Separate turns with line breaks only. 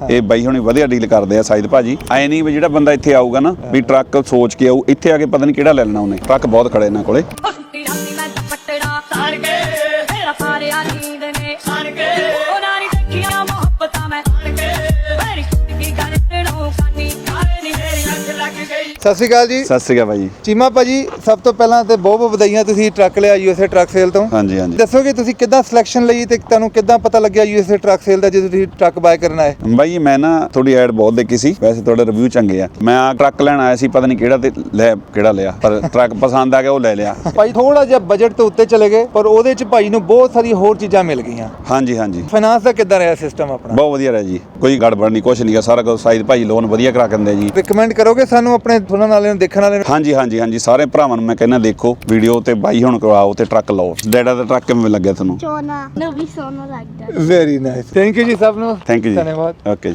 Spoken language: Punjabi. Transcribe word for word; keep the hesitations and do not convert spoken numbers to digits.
ਇਹ ਬਾਈ ਹੁਣੀ ਵਧੀਆ ਡੀਲ ਕਰਦੇ ਆ ਸਾਈਦ ਭਾਜੀ। ਐ ਨਹੀਂ ਵੀ ਜਿਹੜਾ ਬੰਦਾ ਇੱਥੇ ਆਊਗਾ ਨਾ ਵੀ ਟਰੱਕ ਸੋਚ ਕੇ ਆਊ, ਇੱਥੇ ਆ ਕੇ ਪਤਾ ਨਹੀਂ ਕਿਹੜਾ ਲੈ ਲੈਣਾ ਉਹਨੇ। ਟਰੱਕ ਬਹੁਤ ਖੜੇ ਇਹਨਾਂ ਕੋਲੇ।
ਸਤਿ ਸ਼੍ਰੀ ਅਕਾਲ ਜੀ।
ਸਤਿ ਸ਼੍ਰੀ ਅਕਾਲ ਭਾਜੀ।
ਚੀਮਾ ਭਾਜੀ, ਸਭ ਤੋਂ ਪਹਿਲਾਂ ਤੇ ਬਹੁਤ ਬਹੁਤ ਵਧਾਈਆਂ, ਤੁਸੀਂ ਟਰੱਕ ਲਿਆ ਯੂਐਸਏ ਟਰੱਕ ਸੇਲ ਤੋਂ।
ਹਾਂਜੀ ਹਾਂਜੀ।
ਦੱਸੋਗੇ ਤੁਸੀਂ ਕਿੱਦਾਂ ਸਿਲੈਕਸ਼ਨ ਲਈ ਤੇ ਤੁਹਾਨੂੰ ਕਿੱਦਾਂ ਪਤਾ ਲੱਗਿਆ ਯੂਐਸਏ ਟਰੱਕ ਸੇਲ ਦਾ ਜਦੋਂ ਤੁਸੀਂ ਟਰੱਕ ਬਾਏ ਕਰਨ ਆਏ?
ਬਾਈ ਮੈਂ ਨਾ ਤੁਹਾਡੀ ਐਡ ਬਹੁਤ ਦੇਖੀ ਸੀ, ਵੈਸੇ ਤੁਹਾਡੇ ਰਿਵਿਊ ਚੰਗੇ ਆ। ਮੈਂ ਆ ਟਰੱਕ ਲੈਣ ਆਇਆ ਸੀ, ਪਤਾ ਨਹੀਂ ਕਿਹੜਾ ਤੇ ਲੈ ਕਿਹੜਾ ਲਿਆ, ਪਰ ਟਰੱਕ ਪਸੰਦ ਆ ਗਿਆ ਉਹ ਲੈ ਲਿਆ।
ਭਾਈ ਥੋੜਾ ਜਿਹਾ ਬਜਟ ਤੋਂ ਉੱਤੇ ਚਲੇ ਗਏ, ਪਰ ਉਹਦੇ ਚ ਭਾਈ ਨੂੰ ਬਹੁਤ ਸਾਰੀ ਹੋਰ ਚੀਜ਼ਾਂ ਮਿਲ ਗਈਆਂ।
ਹਾਂਜੀ ਹਾਂਜੀ।
ਫਾਈਨਾਂਸ ਦਾ ਕਿੱਦਾਂ ਰਿਹਾ ਸਿਸਟਮ ਆਪਣਾ?
ਬਹੁਤ ਵਧੀਆ ਰਿਹਾ ਜੀ, ਕੋਈ ਗੜਬੜ ਨਹੀਂ, ਕੁਛ ਨਹੀਂ ਗਾ, ਸਾਰਾ ਕੁਝ ਸਾਈਦ ਭਾਈ ਲੋਨ ਵਧੀਆ ਕਰਾ ਕੇ ਦਿੰਦੇ ਜੀ।
ਰਿਕਮੈਂਡ ਕਰੋਗੇ ਸਾਨੂੰ ਆਪਣੇ ਸੁਣਨ ਵਾਲਿਆਂ ਨੂੰ, ਦੇਖਣ ਵਾਲਿਆਂ ਨੂੰ?
ਹਾਂਜੀ ਹਾਂਜੀ ਹਾਂਜੀ, ਸਾਰੇ ਭਰਾਵਾਂ ਨੂੰ ਮੈਂ ਕਹਿੰਦਾ ਦੇਖੋ ਵੀਡੀਓ ਤੇ ਬਾਈ ਹੁਣ ਕਰਵਾਓ ਤੇ ਟਰੱਕ ਲਓ। ਡੈਡਾ ਦਾ ਟਰੱਕ ਕਿਵੇਂ ਲੱਗਿਆ ਤੁਹਾਨੂੰ?
ਸੋਨਾ ਨੂੰ ਵੀ ਸੋਨਾ ਲੱਗਦਾ।
ਵੈਰੀ ਨਾਈਸ, ਥੈਂਕ ਯੂ ਜੀ ਸਭ ਨੂੰ।
ਥੈਂਕ ਯੂ ਜੀ।
ਧੰਨਵਾਦ।
ਓਕੇ।